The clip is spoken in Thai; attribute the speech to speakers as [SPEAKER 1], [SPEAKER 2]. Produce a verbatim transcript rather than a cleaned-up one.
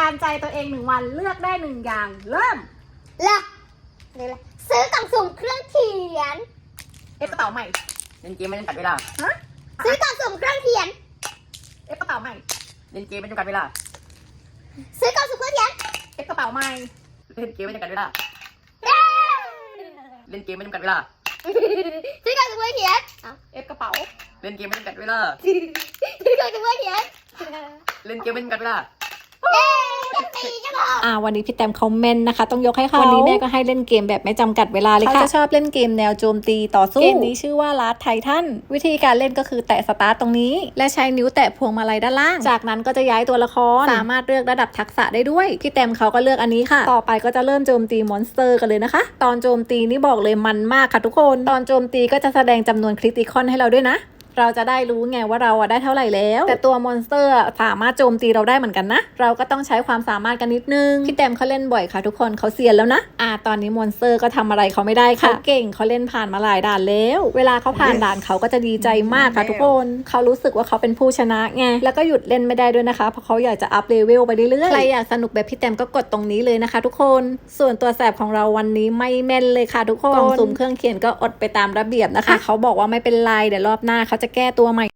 [SPEAKER 1] านใจตัวเองหนึ่งวันเลือกได้หนึ่งอย่างเริ่ม
[SPEAKER 2] เลือกเลยซื้อกล่องสุ่มเครื่องเขียน
[SPEAKER 1] เอฟกระเป๋าใหม่
[SPEAKER 3] เล่นเกมไม่จำกัดเวลา
[SPEAKER 1] ฮะ
[SPEAKER 2] ซื้อกล่องสุ่มเครื่องเขียน
[SPEAKER 1] เอฟกระเป๋าใหม่
[SPEAKER 3] เล่นเกมไม่จำกัดเวลา
[SPEAKER 2] ซื้อกล่องสุ่มเครื่องเขียน
[SPEAKER 1] เอฟกระเป๋าใหม่
[SPEAKER 3] เล่นเกมไม่จำกัดเวลา
[SPEAKER 2] เย้
[SPEAKER 3] เล่นเกมไม่จำกัดเวลา
[SPEAKER 2] ซื้อกล่องสุ่มเครื่องเขียนเอา
[SPEAKER 1] เอฟกระเป๋า
[SPEAKER 3] เล่นเกมไม่จำกัดเวลา
[SPEAKER 2] ซื้อกล่องสุ่มเครื่องเขียน
[SPEAKER 3] เล่นเกมไม่จำกัดเวลา
[SPEAKER 2] เย้ต้องตีจะบอก
[SPEAKER 4] อ่าวันนี้พี่แตมเขาแม่นนะคะต้องยกให้เขาวันนี้แม่ก็ให้เล่นเกมแบบไม่จำกัดเวลาเลยค่ะเขาจะชอบเล่นเกมแนวโจมตีต่อสู้เกมนี้ชื่อว่าลาสไททันวิธีการเล่นก็คือแตะสตาร์ตตรงนี้และใช้นิ้วแตะพวงมาลัยด้านล่างจากนั้นก็จะย้ายตัวละครสามารถเลือกระดับทักษะได้ด้วยพี่แตมเขาก็เลือกอันนี้ค่ะต่อไปก็จะเริ่มโจมตีมอนสเตอร์กันเลยนะคะตอนโจมตีนี่บอกเลยมันมากค่ะทุกคนตอนโจมตีก็จะแสดงจำนวนคริติคอนให้เราด้วยนะเราจะได้รู้ไงว่าเราอะได้เท่าไหร่แล้วแต่ตัวมอนสเตอร์สามารถโจมตีเราได้เหมือนกันนะเราก็ต้องใช้ความสามารถกันนิดนึงพี่แตมเขาเล่นบ่อยค่ะทุกคนเขาเซียนแล้วนะอ่าตอนนี้มอนสเตอร์ก็ทำอะไรเขาไม่ได้ค่ะเขาเก่งเขาเล่นผ่านมาหลายด่านแล้วเวลาเขาผ่านด่านเขาก็จะดีใจมากค่ะทุกคนเขารู้สึกว่าเขาเป็นผู้ชนะไงแล้วก็หยุดเล่นไม่ได้ด้วยนะคะเพราะเขาอยากจะอัพเลเวลไปเรื่อยๆใครอยากสนุกแบบพี่แตมก็กดตรงนี้เลยนะคะทุกคนส่วนตัวแสบของเราวันนี้ไม่แม่นเลยค่ะทุกคนกล่องสุ่มเครื่องเขียนก็อดไปตามระเบียบนะคะเขาบอกว่าไม่เป็นไรเดี๋ยวรอบหน้าเขาจะแก้ตัวใหม่